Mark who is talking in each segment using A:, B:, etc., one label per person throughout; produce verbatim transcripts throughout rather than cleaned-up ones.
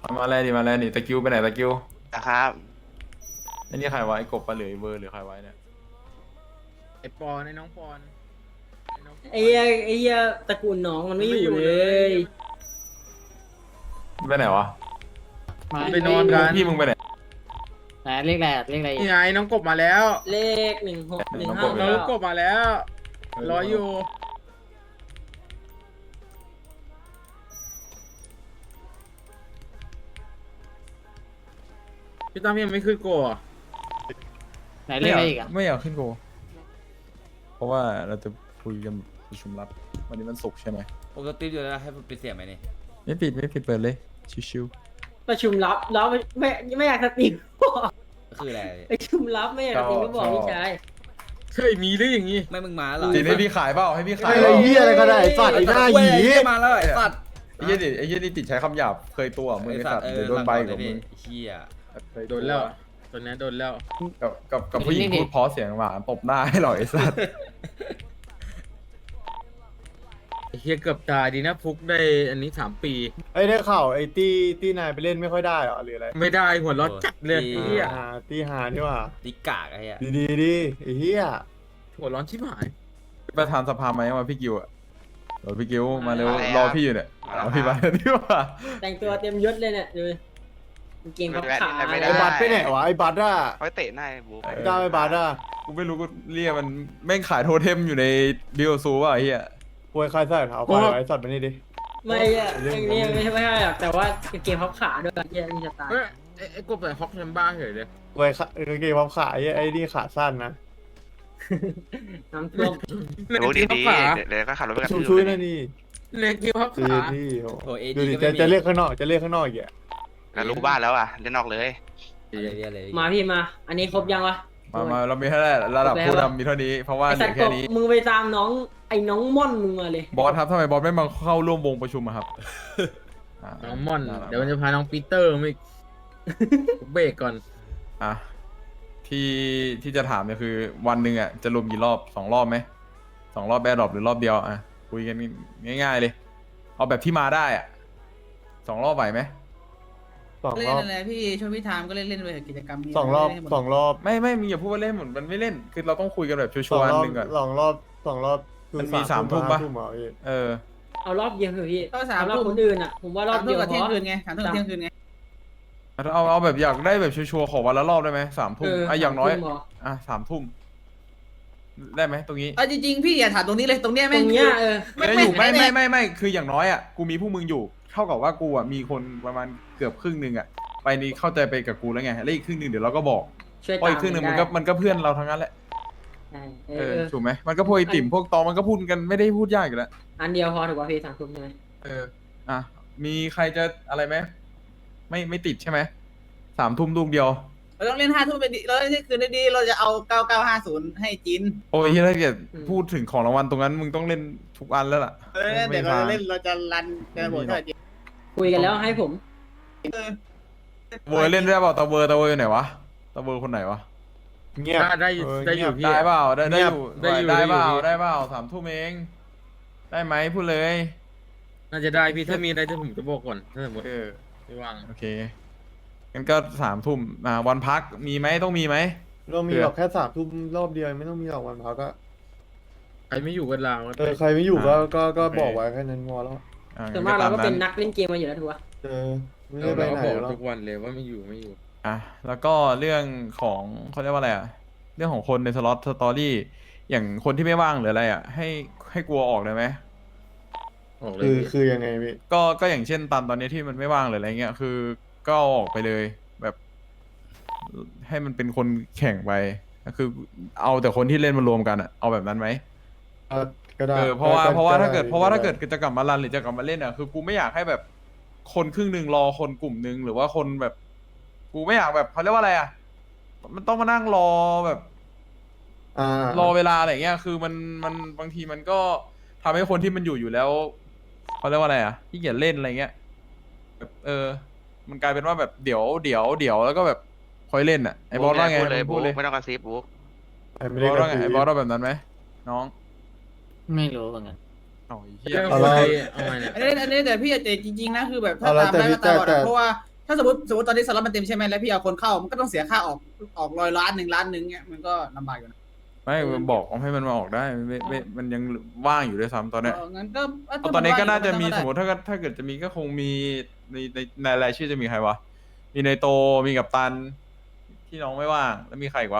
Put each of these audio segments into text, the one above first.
A: มาแล้วดิมาแล้วนี่ตะกิ้วไปไหนตะกิ้ว
B: นะครับ
A: ไอ้นี่ใครวะไอ้กบปะหรือไอ้เบอร์หรือใครไว้เนี่ย
C: ไอปอนไอน้องปอนน้องปน
D: ไอ้เหี้ยไอ้เหี้ยตระกูลน้องมันไม่อยู่เลย
A: ไปไหนวะ
C: ไปนอนกัน
A: พี่มึงไปไหน
E: ไหนเรียกอะไรอะเรียกอะไร
C: นี่ไงน้องกบมาแล้ว
D: เลขหนึ่งหกหนึ่ง
A: น้อง
D: ห้าก
A: บ
C: น้องกบมาแล้วรออยู่พี่ตั้มยังไม่ขึ้นโกะ
E: ไหนเรียกอะไรอีกอะ
A: ไม่อยากขึ้นโกเพราะว่าเราจะคุยกันประชุมลับวันนี้มันศุกร์ใช่ไหม
F: ปกติอยู่แล้วให้ปิดเสียงไหมนี่
A: ไม่ปิดไม่ปิดเปิดเลยชิว
D: ประชุมลับแล้วไม่ไม่อยากสตรีม
F: ก็คืออะไร
D: ประชุมลับไม่อยากสตรีมก็บอกพี่ชาย
C: เคยมีหรืออย่างงี้
F: ไม่มึงมาเหรอ
A: ๆจีนให้พี่ขายเปล่าให้พี่ขาย
G: ไอ้
A: เปล่า
G: เหี้ยอะไรก็ได้ไอ้สัตว์ไอ้หน้าหยี
F: เว้ยมาแล้วไอ้สัตว์
A: ไอ้เหี้ยนี่ไอ้เหี้ยนี่ติดใช้คำหยาบเคยตัวมึงไอ้สัตว์เดี๋ยวโดนใบกับมึง
F: เฮีย
A: เคย
C: โดนแล้วตอนนี้โดนแล้ว
A: กับกับกับผู้หญิงพูดเพราะเสียงหวานตบหน้าให้หรอไอ้สัตว์
C: ไอ้เฮียเกือบตายดีนะฟุกได้อันนี้สามปี
G: ไอ้ได้ข่าวไอ้ตี้ตี้นายไปเล่นไม่ค่อยได้เหรอหรืออะไร
C: ไม่ได้หัวเร้อนจัดเลยไอ้เฮีย
G: อ่าตี้หานี่ว่า
F: ดิกากไอ้เฮีย
G: ดีดีดีไอ้เหี้ย
C: หัวเร้อนชิบหาย
A: ประธานสภาไหมมาพี่กิวอะเดี๋ยวพี่กิวมาเร็วรอพี่อยู่เนี่ยเอาพี่มาดีกว่า
D: แต่งตัวเต็มยศเลยเนี่ยดูกางเกงพับขา
B: ไม่
G: ไอ้
B: ได้
G: บัตรไปไหนวะไอ้บัตรอะ
B: เขาเตะหน้าไอ้บุ๊ก
G: ไอ้ก้าวไอ้บัตรอะ
A: กูไม่รู้กูเรียกมันแม่งขายโทเทมอยู่ในบิลซูป่ะไอ้เหี้ย
G: ป่วยใครใส่เท้าควายไอ้สัตว์มานี่ดิ
D: ไม่อะไอ้นี่ไม่ใช่ไม่ใช่หรอกแต่ว่ากางเกงพับขาด้วยเหี้ยมีสไตล์
C: เอ้ยไอ้ไอ้กบใส่ฮอกแฮมบ้าเฉยเลย
G: ป่วยขาเกงพับขาไอ้ไอ้นี่ขาสั้นนะ
D: น้ำท่วม
B: รู้ดี
C: พับ
B: ดี
C: ขา
B: เดี๋ยวก็ขับรถไปกัน
G: ชุ่ม
B: ที่
G: ช่วย
B: อื่
G: นะนี่
C: เล็กกิ้พับ
G: ดี
C: ขา
G: ดีโห
F: โอ้เอ
G: ดู
F: ดี
G: ดิ
F: ก็
G: จะ
F: ไม่มี
G: จะเรียกข้างนอกจะเรียกข้างนอกอีกอะ
B: แล้วรู้บ้านแล้วอ่ะเล่นนอกเลย
F: อะไรเรียกอะไร
D: มาพี่มา อันนี้ครบยังวะ
A: มามาเรามีเท่าไหร่ระดับผู้นำมีเท่านี้เพราะว่า
D: ไอ
A: เหลื
D: สัต
A: อ
D: ว์ก
A: แค่
D: บ
A: นี้
D: มึงไปตามน้องไอ้น้องม่อนมึงมาเลย
A: บอสครับทำไมบอสไม่มาเข้าร่วมวงประชุมอะครับา
C: น้องม่อน เดี๋ยวมันจะพาน้องปีเตอร์มาอีกเบรกก่อน
A: อ่ะที่ที่จะถามเนี่ยคือวันหนึ่งอ่ะจะรวมกี่รอบสองรอบไหมสองรอบแบดดรอปหรือรอบเดียวอ่ะคุยกันง่ายๆเลย เอาแบบที่มาได้อ่ะสองรอบไหวไหม
G: สอง
E: เล่
G: ร
E: น
G: อบ
E: อะไรพี่ช่วยพี่ทามก็เล่นเล่นไปกิจกรรม
G: สองรอบสองรอบ
A: ไม่ไม่มีอย่าพูดว่าเล่นเหมือนมันไม่เล่น คือเราต้องคุยกันแบบชัว
G: สอง
A: ร์ๆ
G: รอบ
A: หนึ่งก่อน
G: สองรอบสองรอบคือ
A: มันมีสามทุ่มปะ
G: ห้เหรอพี่
A: เออ
D: เอารอบเดียวเถอะพี่
E: ก็สาม
D: สำหรับ
E: ทุ่ม
D: คนอื่นอ่ะ ผมว่ารอบเดียว
E: กับ
D: พ
E: เที่ยง
D: อ
E: คืนไงสามทุ่มกับเที่ยงคืนไง
A: เอาเอาแบบอยากได้แบบชัวร์ๆขอวันละรอบได้ไหมสามทุ่ม
D: เออ
A: อ่ะอย่างน้อย
D: สามทุ่มเหรอ
A: อ่ะสามทุ่มได้ไหมตรงนี้
E: เออจริงๆพี่อย่าถามตรงนี้เลยตรงเนี้ย
D: ต
E: แม่
D: รง งเนี้ยเออ
A: ไม่อยู่ไม่ไม่ไม่ไม่คืออย่างน้อยอ่ะกูมีผู้มึงอยู่ เท่ากับว่ากูอ่ะมีคนประมาณเกือบครึ่งหนึ่งอ่ะไปนี่เข้าใจไปกับกูแล้วไงแล้วอีกครึ่งหนึ่งเดี๋ยวเราก็บอก
D: ช่วย
A: เพราะ
D: ตาม
A: อีกครึ่งหนึ่งมัน
D: ได้
A: ก็มันก็เพื่อนเราทั้งนั้นแหละ
D: ใช่เอ
A: เอ
D: อ
A: อ
D: เออ
A: ถูกไหมมันก็พวกไอติ่มพวกตอมันก็พูดกันไม่ได้พูดยากอยู่แล้ว
D: อันเดียวพอถูกป่ะพี่สามทุ่มใช่ไหม
A: เอออ่ะมีใครจะอะไรไหมไม่ไม่ติดใช่ไหมสามทุ่มลูกเดียว
E: เราต้องเล่นห้าทุ่มไปดีเราเล่นเที่ยงคืนได้ดีเราจะเอาเก้าเก้าห้าศูนย์ให้จิน
A: โอ้ยถ้าเกิดพูดถึงของรางวัลตรงนั้นมึงต้องเล่นทุกอันแล้วล่ะ
E: เออเดี๋ยวเราจะเล่นเราจะรันกระบวนการจิน
D: คุยกันแล้วให้ผม
A: เวอร์เล่นได้เปล่าตาเวอร์ตาเวอร์อยู่ไหนวะตาเวอร์คนไหนวะ
G: เงียบ
C: ได้ได้อยู่
G: เ
C: ได้อยู่พี่
A: ได้เปล่าได้ได้อยู่
C: ได้อยู่
A: ได้
C: ได้อยู่
A: เปล่า
C: พี่
A: ได้เปล่าสามทุ่มเองได้ไหมพูดเลย
C: น่าจะได้พี่ถ้ามีอะไรจะผมจะบอกก่อนถ้าสมมติ
A: เออ
C: ไม่ว่าง
A: โอเคงั้นก็สามทุ่มอ่าวันพักมีไหมต้องมีไหม
G: เรามีหรอกแค่สามทุ่มรอบเดียวไม่ต้องมีหรอกวันพักก็
C: ใครไม่อยู่กันลาว
G: เออใครไม่อยู่ก็ก็ก็บอกไว้แค่นั้นพอแล้ว
A: อ่
D: ส่วนมากเราก็เป็น
A: งั้
D: นักเล่นเกมมาอยู่แล้วถูกป่ะ
G: เออไม่
C: เรา
G: ได้ไป
C: ก็
G: ไหน
C: บอก
G: หรอก
C: ทุกวันเลยว่าไม่อยู่ไม่อยู่
A: อ่ะแล้วก็เรื่องของเขาเรียกว่าอะไรอ่ะเรื่องของคนในสล็อตสตอรี่อย่างคนที่ไม่ว่างหรืออะไรอ่ะให้ให้กลัวออกเลยไหม
C: ออกเลย
G: คือ
C: พี่
G: คือยังไงพี่
A: ก็ก็อย่างเช่นตันตอนนี้ที่มันไม่ว่างหรืออะไรเงี้ยคือก็เอาออกไปเลยแบบ ให้มันเป็นคนแข่งไปก็คือเอาแต่คนที่เล่นมารวมกันอ่ะเอาแบบนั้นไหม
G: ก็ก็ได้
A: เออเพราะว่า
G: ก็
A: เพราะว่า
G: ก็
A: ถ้าเกิด
G: ไ
A: เพราะว่าถ้าเกิดจะกลับมารันหรือจะกลับมาเล่นอ่ะคือกูไม่อยากให้แบบ คนครึ่งหนึ่งรอคนกลุ่มหนึ่งหรือว่าคนแบบ กูไม่อยากแบบเขาเรียกว่าอะไรอ่ะมันต้องมานั่งรอแบบ
G: อ่าร
A: อเวลาอะไรเงี้ยคือมันมันบางทีมันก็ทำให้คนที่มันอยู่อยู่แล้วเขาเรียกว่าอะไรอ่ะที่เกียจเล่นอะไรเงี้ยแบบเออ มันกลายเป็นว่าแบบเดี๋ยวเดี๋ยวเดี๋ยวแล้วก็แบบคอยเล่นอ่ะไอ้บอสว่าไง
B: พูดเลย
A: พู
B: บุ๊
A: ดเลย
B: กไม่ต้องกระซิบบุ๊ก
G: ไอ้ไม่
A: บ
G: ได้
A: อส
G: กระ
A: ว่าไง
G: ซิ
A: ไอ้
G: บบ
A: อสว่าแบบนั้นไหมน้อง
E: ไม่รู้เหมือนกัน
A: อ๋อไอ้เหี้ย
C: เรื่อง
G: เอา
C: คน
G: ละ
C: ที่เอาไงเนี่ย
E: อันนี้อันนี้แต่พี่อาจจะจริงๆนะคือแบบถ้า
G: เอาละ
E: ตามได้
G: แต่
E: ก็ตาม
G: แต่
E: อะเพราะว่าถ้าสมมติสมมติตอนนี้สล็อตมันเต็มใช่ไหมแล้วพี่เอาคนเข้ามันก็ต้องเสียค่าออกออกร้อยล้านหนึ่งล้านหนึ่งเงี้ยมันก็ลำบากอยู่นะ
A: ไม่บอกให้มันมาออกได้ไม่ไม่มันยังว่างอยู่ด้วยซ้ำตอนเนี้ย
E: เอองั้นก็
A: เอาตอนนี้ก็น่าจะมีสมม
E: ติ
A: ติถ้าเกิดถ้าเกิดจะมีก็คงมีในในในรายชื่อจะมีใครวะมีในโตมีกับตันที่น้องไม่ว่างแล้วมีใครอีกวะ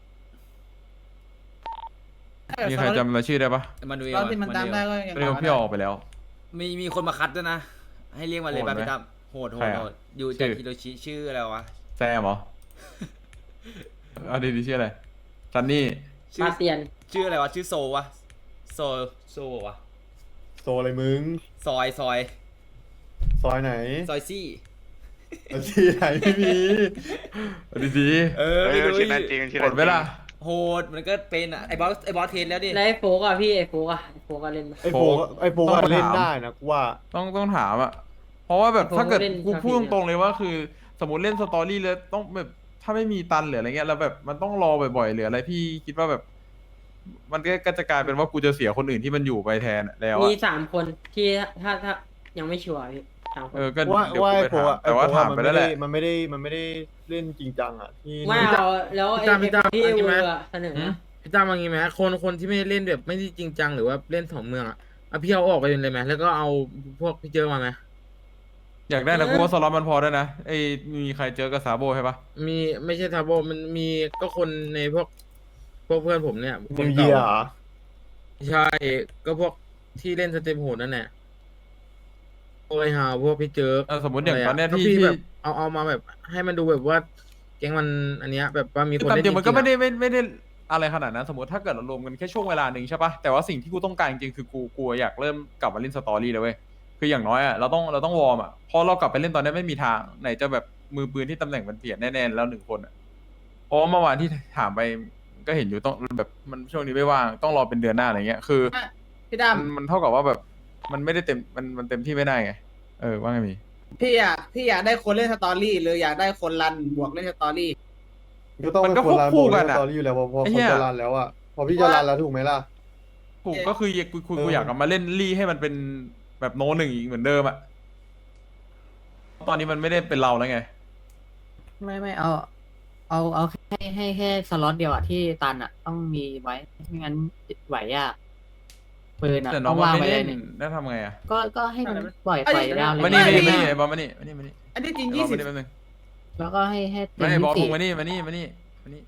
A: มีใครจำรายชื่อได้ปะ
F: มาดูเอง
E: ตอนที่มันตามได้ก็ยัง
A: เรียกว่าพี่ออกไปแล้ว
F: มีมีคนมาคัดด้วยนะ ให้เรียกมาเลย
A: โหด
F: ป่ะ
A: ไหม
F: พี่ตั้มโหดโห
A: ใคร
F: ด
A: อะ
F: โหดอยู่
A: ชื่
F: จาก
A: อ
F: ฮิโรชิชื่ออะไรวะ
A: แซมเหรอเอาดีดีชื่ออะไรซันนี่
F: ชื่อ
D: มาเตียน
F: ชื่ออะไรวะชื่อโซวะโซโซวะ
G: โซอะไรมึง
F: ซอยซอย
G: ซอยไหน
F: ซอยซี่
G: เอาที่ไหนไม่มี
A: เอาดีดี
F: เออ
B: เอ
F: ไม่
B: อ
F: รู้
B: ชื่อนั้นจริงชื่อ
A: หม
B: นั้
A: ด
B: น
A: เวลา
F: โหดมันก็เป็นอ่ะไอ้บอสไอ้บอสเทนแล้วดิ
D: แล้วไอ้โฟกอะพี่ไอ้โฟกอะไอ้โฟกอะเล่นปะ
G: ไอโฟกไอโฟก
A: ต้อง
G: อะ
A: มา
G: เล่น
A: ถาม
G: ได้นะกูว่า
A: ต้องต้องถามอ่ะเพราะว่าแบบ
D: ผม
A: ถ้าเกิด
D: เล่น
A: กู
D: ชา
A: พูด
D: พี
A: ตรงๆเลยว่าคือ สมมติเล่นสตอรี่แล้วต้องแบบถ้าไม่มีตันหรืออะไรเงี้ยแล้วแบบมันต้องรอบ่อยๆหรืออะไรพี่คิดว่าแบบ มันก็ก็จะกลายเป็นว่ากูจะเสียคนอื่นที่มันอยู่ไปแทนอะแล้วอะ
D: มีสามคนที่ถ้าถ้ายังไม่ชัวร์พี่สามคน
A: เออก็
G: ว่า
A: เดี๋ยว
G: ว่า
A: กู
G: ไอ
A: ไป
G: โฟ
A: ถาม
G: กอะ
A: แต่ว่า
G: ไอ้โฟก
A: ถาม
G: อะ
A: ไปแล้วแหละ
G: มันไม่ได้มันไม่ได้เล่นจริงจังอ่ะที่
D: ไม่เอาแล้วไอ้
C: พี่ตั้ม
D: ไอ้
C: พี่ตั้ม
D: ที่
C: เอาจริงไหม
D: เวอร์อะเสนอ
C: หืมพี่ตั้มว่างี้ไหมคนคนที่ไม่ได้เล่นแบบไม่ได้จริงจังหรือว่าเล่นสองเมืองอ่ะเอาพี่เอาออกไปเลยไหมแล้วก็เอาพวกพี่เจอมาไหม
A: อยากได้นะกูว่าสล็อตมันพอได้นะไอ้มีใครเจอกับซาโบใช่ปะ
C: มีไม่ใช่ทาโบมันมีก็คนในพวกพวกเพื่อนผมเนี่ยค
G: นิ
C: น
G: วเยี
C: เก่าย
G: ร์เหรอ
C: ใช่ก็พวกที่เล่นสเต็ปโหดนั่นแหละโอ้ยฮาพวกพี่เจอ
A: เออสมมติอย่างตอนเนี้ย
C: ก็
A: ที่
C: พี่
A: ที่
C: แบบเอาเอามาแบบ ให้มันดูแบบว่า แก๊งมันอันเนี้ยแบบว่ามีคน
A: ตาม
C: เล่น
A: จริงมันก็ไม่ได้
C: จริงๆอะ
A: ไม่ไม่ได้อะไรขนาดนั้นสมมติถ้าเกิดเรารวมกันแค่ช่วงเวลาหนึ่งใช่ปะแต่ว่าสิ่งที่กูต้องการจริงๆคือกูกูอยากเริ่มกลับมาเล่นสตอรี่เลยเว้ยคืออย่างน้อยอ่ะเราต้องเราต้องวอร์มอ่ะพอเรากลับไปเล่นตอนนี้ไม่มีทางไหนจะแบบมือปืนที่ตำแหน่งมันเปลี่ยนแน่ๆแล้วหนึ่งคนอ่ะเพราะว่าเมื่อวานที่ถามไปก็เห็นอยู่ต้องแบบมันช่วงนี้ไม่ว่างต้องรอเป็นเดือนหน้าอะไรเงี้ยคือ
E: พี่ด
A: มันมันเท่ากับว่าแบบมันไม่ได้เต็มมันมันเต็มที่ไม่ได้ไงเออว่าไงมี
E: ำพี่อยากพี่อยากได้คนเล่นสตอรี่หรืออยากได้คนรันบวกเล่นสตอรี่
G: ก็ต้องเป็นคนรันโบว์สตอรี่อยู่แล้วพอพอคนจะรันแล้วอ่ะพอพี่จะรันแล้วถูกไหมล่ะ
A: ถูก
E: เอ๊ะ
A: ก็คือกูกูกู
G: เออ
A: อ
G: อ
A: ยากกลับมาเล่นลี่ให้มันเป็นแบบโนหนึ่งอีกเหมือนเดิมอ่ะตอนนี้มันไม่ได้เป็นเราแล้วไง
H: ไม่ไม่เอา เอาเอาให้ให้แค่สล็อตเดียวอะที่ตันอะต้องมีไว้ไม่งั้นไหวยากปืนอะ
A: แต่น้
H: ต้
A: อ
H: อง ง
A: มัน
H: วาง
A: ไม่
H: ไว้
A: เล่
H: ได้
A: น
H: หนึ่ง
A: แล้วทำไงอ่ะ
H: ก็ก็ให้มันปล่อย
E: เอ้ย
H: ปล่อยดาวเลย
A: มานี่
E: ไม่
A: มานี่
E: ไม่
A: มานี่ไอ้บอลมานี่มานี่มานี่
E: อันที่จริง
A: ไอ้บอ
E: ยี่
A: ล
E: สิ
A: มา
E: บ
A: นี่แป๊บนึง
H: แล้วก็ให้ให้เต็
A: ไม่
H: ม
A: ไอ้บอล
H: ที่
A: พ
H: สี่
A: งมานี่มานี่มานี่มานี่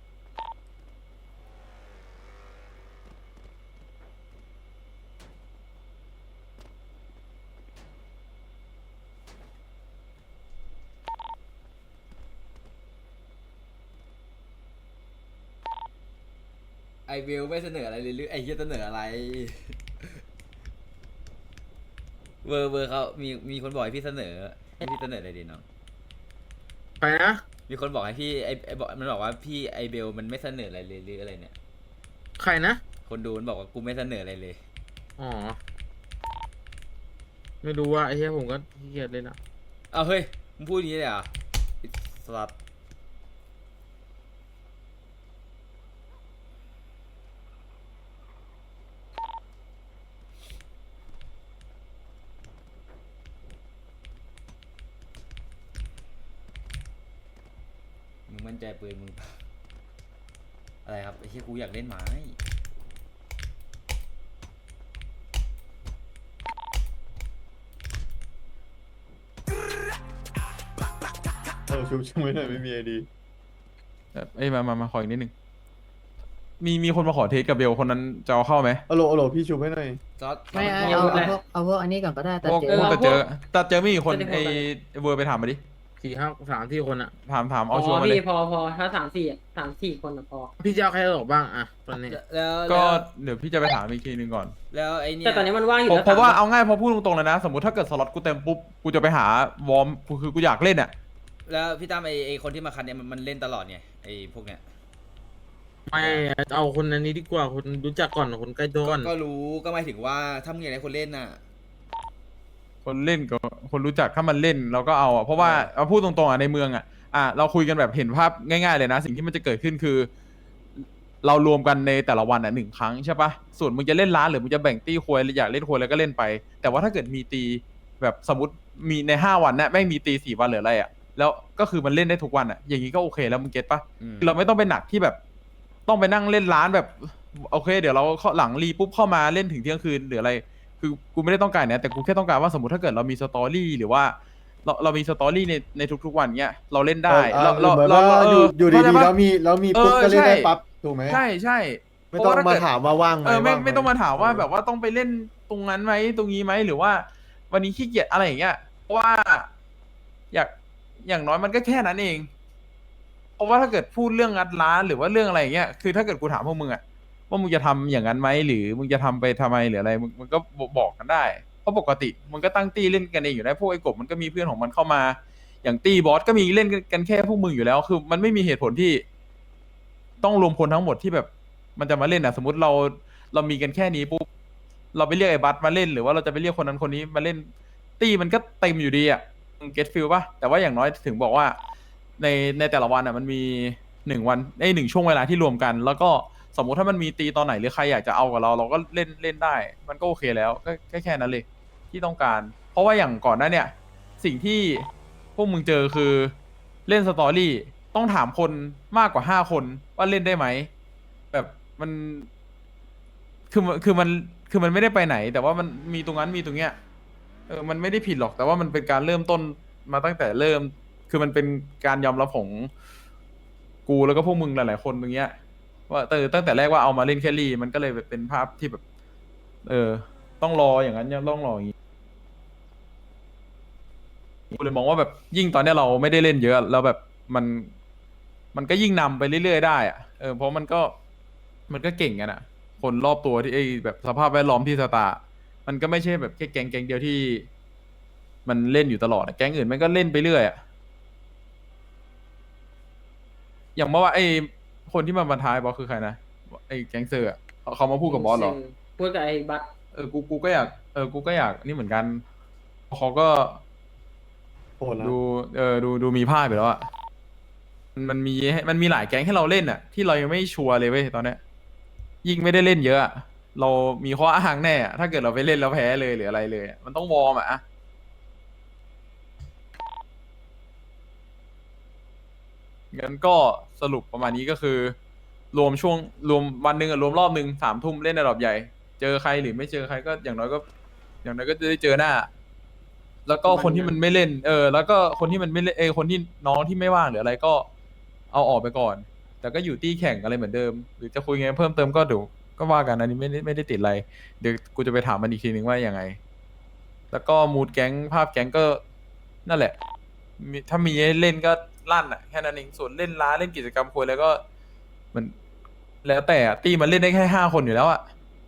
F: ไอวิวไม่เสนออะไรเลยหรือไอเฮียเสนออะไร เวอร์เวอร์เขามีมีคนบอกให้พี่เสนอให้พี่เสนออะไรดีน้อง
C: ไปนะ
F: มีคนบอกให้พี่ไอไอบอกมันบอกว่าพี่ไอเบลมันไม่เสนออะไรเลยหรืออะไรเนี่ย
C: ใครนะ
F: คนดูมันบอกว่ากูไม่เสนออะไรเลย
C: อ๋อ ไม่รู้ว่าไอ้เหี้ยผมก็ขี้เกียจเลยนะ
F: เอาเฮ้ยมึงพูดอย่างนี้เลยเหรอ่ะสลับมึงมั่นใจปืนมึงปะอะไรครับไอ้เหี้ยกูอยากเล่นไม้
G: เออชุบชุบไม่หน่อยไม่มีไอดี
A: แบบเอ้ยมามามาขออีกนิดนึงมีมีคนมาขอเทสกับเบลคนนั้นจะเอาเข้าไหม
G: อโหลอโหลพี่ชุบให้หน่อย
F: ซอส
H: ไม่เอาเอาเอาพวกเอาพวกอันนี้ก่อนก็ได้แต่
A: พวก
H: เจ๊
A: พวก
H: ว่า
A: แต่เจอแต่เจอไม่กี่คนไอ้เวอร์ไปถามมาดิ
C: สี่ห้าสามที่คนอะ
A: ถามถาม
D: พ
A: เอาชัว
D: อ
A: ร์มาเล
D: พี่
A: ย
D: พอพอถ้าสามสี่อะสามสี่คนอะพอ
C: พี่จะเอาใครออกบ้างอะตอนนี้
F: แล้ว
A: ก็
F: แล้ว
A: เดี๋ยวพี่จะไปถามอีกทีนึงก่อน
F: แล้วไอเนี่ย
D: แต่ตอนนี้มันว่างอยู่
A: เพราะ
D: แล้ว
A: เพราะว่า
D: สม
A: เอาง่ายพอพูดตรงๆเลยนะ สมมติถ้าเกิดสล็อตกูเต็มปุ๊บกูจะไปหาวอร์มกูคือกูอยากเล่นอ่ะ
F: แล้วพี่ตั้มไอไอคนที่มาคันเนี่ยมันมันเล่นตลอดไงไอพวกเนี้ย
C: ไม่เอาคนอันนี้ดีกว่าคนรู้จักก่อนคนใกล้ตัวก่อน
F: ก็รู้ก็หมายถึงว่าถ้ามึงอยากได้คนเล่นน่ะ
A: คนเล่นก็คนรู้จักถ้ามันเล่นเราก็เอาอ่ะเพราะว่าเอาพูดตรงๆอ่ะในเมืองอ่ะอ่ะเราคุยกันแบบเห็นภาพง่ายๆเลยนะ สิ่งที่มันจะเกิดขึ้นคือ เรารวมกันในแต่ละวันอ่ะหนึ่งครั้งใช่ปะส่วนมึงจะเล่นร้านหรือมึงจะแบ่งตี้ควยอยากเล่นควยแล้วก็เล่นไป แต่ว่าถ้าเกิดมีตีแบบสมมติมีในห้าวันเนี่ยแม่งมีตีสี่วันหรืออะไรอ่ะแล้วก็คือมันเล่นได้ทุกวันอ่ะอย่างนี้ก็โอเคแล้วมึงเก็ตปะ
F: อืม
A: เราไม่ต้องไปหนักที่แบบ ต้องไปนั่งเล่นร้านแบบโอเค เดี๋ยวเราเข้าหลังรีปุ๊บเข้ามาเล่นถึงเที่ยงคืนหรืออะไร คือกูไม่ได้ต้องการเนี่ยแต่กูแค่ต้องการว่าสมมติถ้าเกิดเรามีสตอรี่หรือว่า เราเรามีสตอรี่ในในทุกๆวันเนี้ยเราเล่นได้
G: เออ
A: เรา
G: เออเหมือน
A: เรา
G: ว่า
A: เอ
G: อยู่
A: อ
G: อยู่
A: เข้าใจ
G: ดีๆ
A: ปะ
G: แล้วมีแล้วมีปุ๊บ
A: เออ
G: ก็เล่นได้
A: ใช่
G: ปั๊บถูกไหม
A: ใช่ใช่
G: ไม่ต้อง
A: เพระว่
G: มา
A: ถ้เกิด
G: ถามว่าว่างไหม
A: เออไม่
G: ว่งห
A: ไม่ต้องมาถามว่าแบบว่าต้องไปเล่นตรงนั้นไหมตรงนี้ไหมหรือว่า วันนี้ขี้เกียจอะไรอย่างเงี้ยเพราะว่า อยากอย่างน้อยมันก็แค่นั้นเอง เพราะว่าถ้าเกิดพูดเรื่องงัดร้านหรือว่าเรื่องอะไรอย่างเงี้ยคือถ้าเกิดกูถามพวกมึงอะว่ามึงจะทำอย่างนั้นไหมหรือมึงจะทำไปทำไมหรืออะไรมึงมึงก็บอกกันได้เพราะปกติมึงก็ตั้งตี้เล่นกันเองอยู่แล้วพวกไอ้กบมันก็มีเพื่อนของมันเข้ามา อย่างตี้บอสก็มีเล่นกันแค่พวกมึงอยู่แล้ว คือมันไม่มีเหตุผลที่ ต้องรวมคนทั้งหมดที่แบบ มันจะมาเล่นอ่ะ สมมติเราเรามีกันแค่นี้ปุ๊บเราไปเรียกไอ้บัสมาเล่นหรือว่าเราจะไปเรียกคนนั้นคนนี้มาเล่น ตี้มันก็เต็มอยู่ดีอ่ะเก็ตฟิลป่ะแต่ว่าอย่างน้อยถึงบอกว่า ในในแต่ละวันอ่ะมันมีหนึ่งวันไอ้หนึ่งช่วงเวลาที่รวมกัน แล้วก็สมมุติถ้ามันมีตีตอนไหนหรือใครอยากจะเอากับเรา เราก็เล่นเล่นได้ มันก็โอเคแล้วก็แค่แค่นั้นเลย ที่ต้องการ เพราะว่าอย่างก่อนหน้าเนี่ย สิ่งที่พวกมึงเจอคือเล่นสตอรี่ต้องถามคนมากกว่าห้าคนว่าเล่นได้ไหมแบบมันคือมันคือมันคือมันไม่ได้ไปไหน แต่ว่ามันมีตรงนั้นมีตรงเนี้ยเออมันไม่ได้ผิดหรอก แต่ว่ามันเป็นการเริ่มต้นมาตั้งแต่เริ่ม คือมันเป็นการยอมรับของกูแล้วก็พวกมึงหลายๆคนตรงเนี้ย ว่าเออตั้งแต่แรกว่าเอามาเล่นแครี่มันก็เลยแบบเป็นภาพที่แบบ เออ ต้องรออย่างนั้นยังต้องรออย่างนี้กูเลยมองว่าแบบยิ่งตอนเนี้ยเราไม่ได้เล่นเยอะแล้วแบบมัน มันก็ยิ่งนำไปเรื่อยๆได้อะเออเพราะมันก็มันก็เก่งกันอะคนรอบตัวที่ไอ้แบบสภาพแวดล้อมที่สตาร์มันก็ไม่ใช่แบบแค่แก๊งแก๊งเดียวที่ มันเล่นอยู่ตลอดอะแก๊งอื่นมันก็เล่นไปเรื่อยอะอย่างเมื่อว่าไอ้คนที่มาบรรทายบอสคือใครนะไอ้แก๊งเซอร์อะเขาเขามาพูดกับบอสเหรอ
D: พูดกับไอ้บัส
A: เออ กู กูก็อยาก เออ กูก็อยาก นี่เหมือนกัน เขาก็
G: โหดนะ
A: ดู เออ ดู ดูมีภาพไปแล้วอะมันมันมีให้มันมีหลายแก๊งให้เราเล่นอะที่เรายังไม่ชัวร์เลยเว้ยตอนเนี้ย ยิ่งไม่ได้เล่นเยอะอะเรามีข้ออ้างแน่อะถ้าเกิดเราไปเล่นแล้วแพ้เลยหรืออะไรเลยอะมันต้องวอร์มอะอะงั้นก็สรุปประมาณนี้ก็คือ รวมช่วง รวมวันหนึ่งอะรวมรอบหนึ่งสามทุ่มเล่นในรอบใหญ่ เจอใครหรือไม่เจอใครก็อย่างน้อยก็ อย่างน้อยก็จะได้เจอหน้า แล้วก็คนที่มันไม่เล่น เออ แล้วก็คนที่มันไม่เล่นเออคนที่น้องที่ไม่ว่างหรืออะไรก็เอาออกไปก่อน แต่ก็อยู่ตี้แข่งอะไรเหมือนเดิม หรือจะคุยไงเพิ่มเติมก็เดี๋ยวก็ว่ากันอันนี้ไม่ได้ไม่ได้ติดอะไร เดี๋ยวกูจะไปถามมันอีกทีนึงว่ายังไง แล้วก็มูดแก๊งภาพแก๊งก็นั่นแหละมีถ้ามีให้เล่นก็ลั่นอ่ะแค่นั้นเองส่วนเล่นร้านเล่นกิจกรรมคุยแล้วก็มันแล้วแต่อะตีมันเล่นได้แค่ห้าคนอยู่แล้วอ่ะ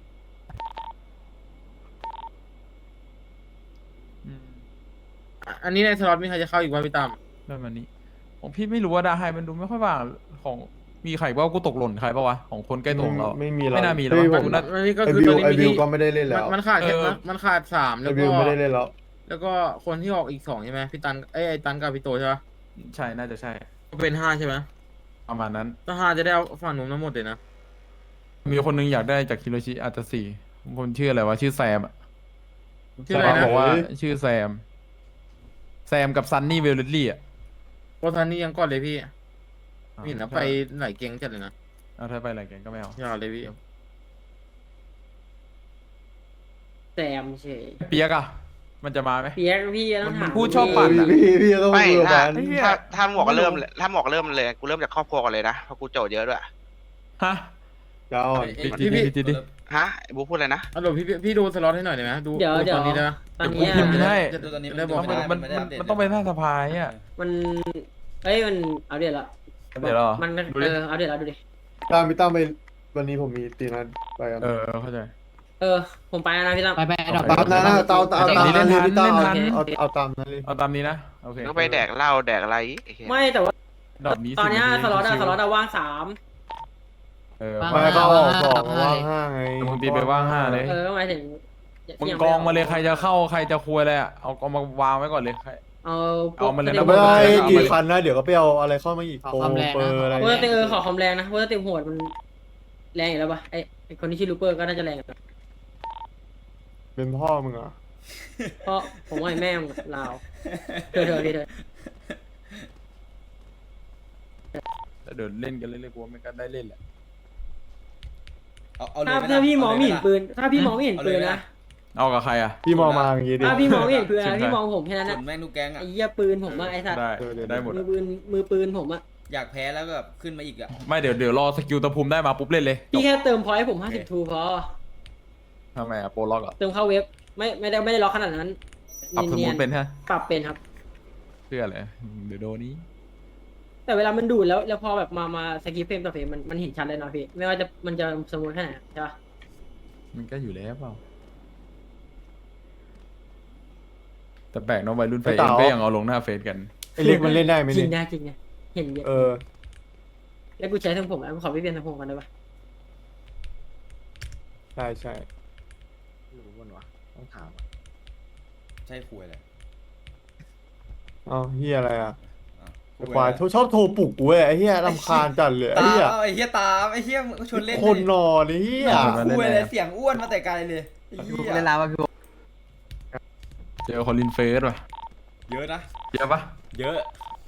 A: อืม
C: อ่ะอันนี้ในสล็อตมีใครจะเข้าอีกว่าพี่ตั้ม
A: เรื่องมันนี้ของพี่ไม่รู้ว่าดาไฮมันดูไม่ค่อยว่างของมีใครว่ากูตกหล่นใครปะวะของคนใกล้ตัวของเรา
G: ไม่มีหรอก
A: ไม่น่ามีหรอก
G: เฮ้ย
A: มั้ง
G: ผม
A: กูน่า
C: มันนี่ก็
G: ไอ
C: คือ
G: บิ
C: ต
G: ว
C: อนนี้
G: ไอ
C: มี
G: บิว
C: ที่
G: ก็ไม่ได้เล่น
C: มั
G: แล้
C: น
G: ว
C: มันขาดแค่
A: เออ
C: มันมันขาดสาม
G: ไอ
C: แล้ว
G: บิ
C: ก็
G: วไม่ได้เล่นแล้ว
C: แล้วก็คนที่ออกอีกสองใช่ไหมพี่ตันไอยไอตันกับพี่โตใช่ปะ
A: ใช่น่าจะใช่
C: เป็นห้าใช่ไหม
A: ประมาณนั้น
C: ถ้าห้าจะได้เอาฝั่งนู้นทั้งหมดเลยนะ
A: มีคนนึงอยากได้จากคิโรชิอาจจะสี่คนชื่ออะไรวะชื่อแซมอะ
C: ชื่ออะไร
A: แซม
C: นะ
A: บอกว่า
G: เฮ้ย
A: ชื่อแซม แซมกับซันนี่เวลเลตลี่อ่ะ
C: โคทันนี่ยังก่อนเลยพี่ไม่เห็นนะไปไหนเก่งจัดเลยนะ
A: เอาถ้าไปอะไรกันก็ไม่เอา
C: ยาวเลยพี่
D: แซมเฉย
A: เปียกอะมันจะมาไหม
D: เปียกพี่ต้องถาม
A: มันพูดชอบปั่นอะ
G: พี่พี่ต้อง
B: ไม่
G: คุยกับ
B: ถ้า
G: มัน
B: ถ้าถ้าหมวกก็เริ่มเลยถ้าหมวกเริ่มเลยกูเริ่มจากครอบครัวก่อนเลยนะเพราะกูโจทย์เยอะด้วย
A: ฮะ
G: เจ้า
A: ปิดดิปิดดิปิดดิ
B: ฮะไอ้บุ๊คพูดอะไรนะ
C: อ่ะเดี๋ยวพี่พี่พี่ดูสล็อตให้หน่อยได้ไหมดู
D: เดี๋ยว
C: ดู
D: เดี๋ยว
C: ตอนนี้ได้ปะ
D: ตอนเนี้ย
A: พิมพ์ให้
F: ดูตอนนี้
C: ได้บอก
A: มันมันมันมันต้องไปหน้าสภาอ่ะ
D: มันเอ้ยมันเอาเดี๋ยวละ
A: เดี๋ยวเหรอ
D: มัน
A: ดูดิ
D: เออเอาเดี๋ยวละดูดิ
G: ตามพี่ตั้มไปวันนี้ผมมีตีนัดไปกัน
A: เออเข้าใจ
D: เออผมไปแล้วนะพี่ตั้ม
H: ไปไปดอก
G: ตามนั้นนะตามตามตาม
A: เล่
G: นั้น
A: นทัน
G: พี่ตั้ม
A: เล่นทัน
G: เอาเอาตามนั้นเลย
A: เอาตามนี้นะโอเค
B: ก็ไปแดกเหล้าแดกอะไรไอ้เหี้ย
D: ไม่แต่ว่า
A: ดอกนี้
D: ตอนเนี้ย
A: สิบ
D: สล็อตอะ
A: ชิวๆ
D: สล็อตอะว่างสาม
A: เออ
G: ไม่ก็ออกบอกว่างห้าไง
A: มึงตีไปว่างห้าเลย
D: เออหมายถึง
A: มึงกองมาเลยใครจะเข้าใครจะคุยอะไรอะเอาเอามาวางไว้ก่อนเลยใคร
D: เอา
A: เอามาเลยนะ
G: แต่ไม่ได้กี่คันนะเดี๋ยวก็ไปเอาอะไรเข้ามาอีก
H: ขอ
G: โปร
H: ความแรง
G: เปอ
H: นะ
G: ร์อะไร
D: เวอร์เตอร์ขอคอมแรงนะเวอร์เตอร์โหดมันแรงอยู่แล้วปะไอไอคนที่ชื่อลูเปอร์ก็น่าจะแรงอยู่แล้ว
G: เป็นพ่อมึงเหรอ
D: เพราะผมว่าไอ้แม่งลาวเธอเธอพี่เธอ
A: แต่เดี๋ยวเล่นกันเรื่อยๆกูว่ามันก็ได้เล่นแหละ
F: เอาเอาเลย
D: ถ้า
F: ไหม
D: ถ้า
F: ล่ะ
D: พี่มองไม่เห็น
F: เอาเลยไห
D: ปืน ถ้าพี่มองไม่เห็น
F: เอา
D: ปื
F: เลย
D: น
F: ไหม
D: นะ
F: ล่ะ
A: เอากับใครอ่ะ
G: พี่มองมาอย่างงี้ดิ
D: ถ้าพี่มองไม่เห็นปืน
A: เชิญ
D: นะ
A: ไป
D: พี่มองผมแค่นั้น
F: ส่
D: นะ
F: วนแม่งทุกแก๊งอะ
D: ไอ้เหี้ยปืนผมอะไอ้สัตว์
A: ได้
G: เออเดี๋ยว
A: ได้หมด
D: มือ
A: อะ
D: ปืนมือปืนผมอะ
F: อยากแพ้แล้วก็แบบขึ้นมาอีกอะ
A: ไม่เดี๋ยวเดี๋ยวรอสกิลตะภูมิได้มาปุ๊บเล่นเลย
D: พี่แค่เติมพอยต์ให้ผมห้าสิบทูพอ
A: ทำไมอ่ะโปรล็อกอ่ะ
D: เติมเข้าเว็บ ไม่ไม่ได้ไม่ได้ล็อกขนาดนั้น
A: ปรับสม
D: เนี
A: มุ
D: ยน
A: ติเป็นฮะ
D: ๆปรับเป็นครับ
A: เพื่ออะไรเดี๋ยวโดนนี้
D: แต่เวลามันดูดแล้วแล้วพอแบบมามาสกิปเฟรมต่อเฟรมมันมันเห็นชัดเลยเนาะพี่ ไม่ว่าจะมันจะสมูทแค่ไหนอะใช่ปะ
A: มันก็อยู่แล้วเปล่าแต่แปลกเน้องวัยรุ่นไฟเอ็มก็ยังเอาลงหน้าเฟซกัน
G: ไอ้เล็กมันเล่นได้ไหม
D: จริ
G: นี่
D: งนะจริงนะเห็นเยอะ
G: เออ
D: แล้วกูใช้ทั้งผมแล้วกูขอพี่เปลี่ยนทั้งผมกันได้ปะ
G: ใช่ใช่
C: ต้องถาม
F: ใช่คุยเลย
G: เอ้าเฮียอะไรอ่ะ
F: อ้าว
G: ไอ้ควายชอบโทรปลุกกูเว้ยไอ้เฮียรำคาญจัดเลยไอ้
F: ตาม
G: เฮีย
F: เอาไอ้เหี้ยตามไอ้เหี้ยมึงก็ชวนเล่น
G: คนนอนไอ้เฮีย
F: คุยเลยเสียงอ้วนมาแต่ไกลเลยไอ้เหี้ย
H: เล่นลาวะพี่
A: เจอคอลินเฟสว่ะ
F: เยอะนะ
A: เยอะปะ
F: เยอะ